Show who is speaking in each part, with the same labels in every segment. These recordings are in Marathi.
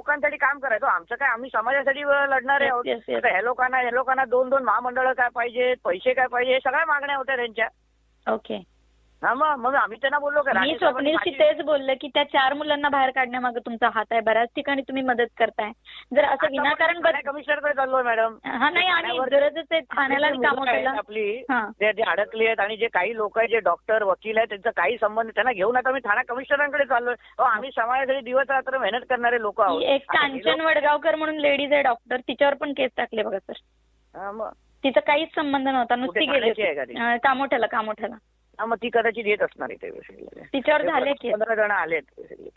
Speaker 1: लोकांसाठी काम करायचं. आमचं काय, आम्ही समाजासाठी लढणारे आहोत.
Speaker 2: Yes, yes, yes.
Speaker 1: आता ह्या लोकांना 2-2 महामंडळ काय पाहिजे, पैसे काय पाहिजे, हे सगळ्या मागण्या होत्या त्यांच्या.
Speaker 2: ओके.
Speaker 1: हा, मग आम्ही त्यांना बोललो की
Speaker 2: मी
Speaker 1: राज्यसभाची
Speaker 2: स्वप्नीलशी तेच बोलले की त्या 4 मुलांना बाहेर काढण्यामागे तुमचा हात आहे. बऱ्याच ठिकाणी तुम्ही मदत करताय. जर असं विनाकारण
Speaker 1: कमिशनरकडे चाललोय मॅडम.
Speaker 2: हा नाही, आणि गरजच आहे ठाण्याला आणि कामोठ्याला.
Speaker 1: आपली
Speaker 2: हा.
Speaker 1: जे अडकली आहेत आणि जे काही लोक आहेत, जे डॉक्टर वकील आहेत, त्यांचा काही संबंध, त्यांना घेऊन आता मी ठाणा कमिशनरांकडे चाललोय. आम्ही समाजासाठी दिवस रात्र मेहनत करणारे लोक आहोत.
Speaker 2: एक कांचन वडगावकर म्हणून लेडीज आहे डॉक्टर, तिच्यावर पण केस टाकले बघा सर.
Speaker 1: हा, मग
Speaker 2: तिचा काहीच संबंध नव्हता, नुसती
Speaker 1: कुठे
Speaker 2: गेली
Speaker 1: ठाण्याची आहे का ती?
Speaker 2: कामोठ्याला.
Speaker 1: मग ती कदाचित येत असणार इथे बेसिकली.
Speaker 2: तिच्यावर झाले केस.
Speaker 1: 15 जण आलेत बेसिकली.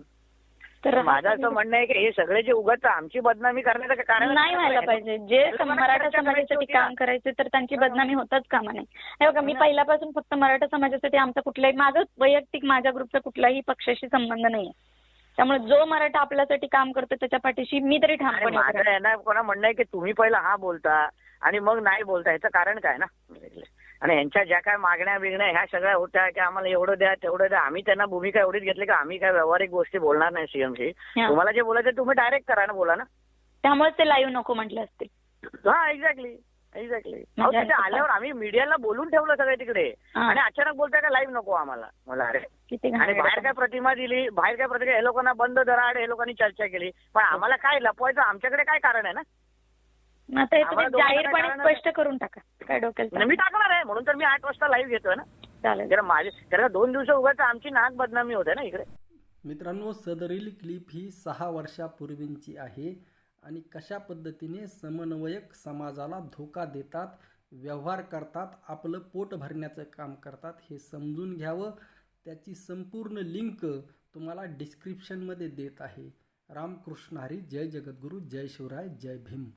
Speaker 2: तर
Speaker 1: माझं असं म्हणणं आहे की हे सगळे जे उगाच आमची बदनामी करण्याचं कारण
Speaker 2: नाही व्हायला पाहिजे. जे मराठा समाजासाठी काम करायचे तर त्यांची बदनामी होताच कामा नये. हे बघा, मी पहिल्यापासून फक्त मराठा समाजासाठी, आमचा कुठलाही, माझं वैयक्तिक माझ्या ग्रुपचा कुठलाही पक्षाशी संबंध नाहीये. त्यामुळे जो मराठा आपल्यासाठी काम करतो त्याच्या पाठीशी मी तरी ठामपणे
Speaker 1: माझं आहे ना, कोणा म्हणणं आहे की तुम्ही पहिला हा बोलता आणि मग नाही बोलता, ह्याचं कारण काय ना. आणि यांच्या ज्या काय मागण्या बिगण्या ह्या सगळ्या होत्या की आम्हाला एवढं द्या तेवढं द्या, आम्ही त्यांना भूमिका एवढीच घेतली की आम्ही काय व्यावहारिक गोष्टी बोलणार नाही सीएमशी. तुम्हाला जे बोलायचं तुम्ही डायरेक्ट करा ना, बोला ना.
Speaker 2: त्यामुळे ते लाईव्ह नको म्हटले असतील.
Speaker 1: हा, एक्झॅक्टली. तिथे आल्यावर आम्ही मीडियाला बोलून ठेवलं सगळे तिकडे, आणि अचानक बोलताय का लाईव्ह नको आम्हाला. मला अरे, आणि बाहेर काय प्रतिमा दिली, हे लोकांना बंद दराड, हे लोकांनी चर्चा केली, पण आम्हाला काय लपवायचं, आमच्याकडे काय कारण आहे ना.
Speaker 2: आता हे तुम्ही जाहीरपणे स्पष्ट करून टाका, काय डोक्याला.
Speaker 1: मी टाकणार आहे, म्हणून तर मी 8 वाजता लाईव्ह घेतोय ना.
Speaker 2: चालेल.
Speaker 1: कारण 2 दिवस उगाच आमची नाक बदनामी होते ना इकडे.
Speaker 3: मित्रांनो, सदरील क्लिप ही 6 वर्षापूर्वींची आहे आणि कशा पद्धतीने समन्वयक समाजाला धोका देतात, व्यवहार करतात, आपलं पोट भरण्याचं काम करतात हे समजून घ्यावं. त्याची संपूर्ण लिंक तुम्हाला डिस्क्रिप्शनमध्ये देत आहे. रामकृष्ण हरी. जय जगद्गुरू. जय शिवराय. जय भीम.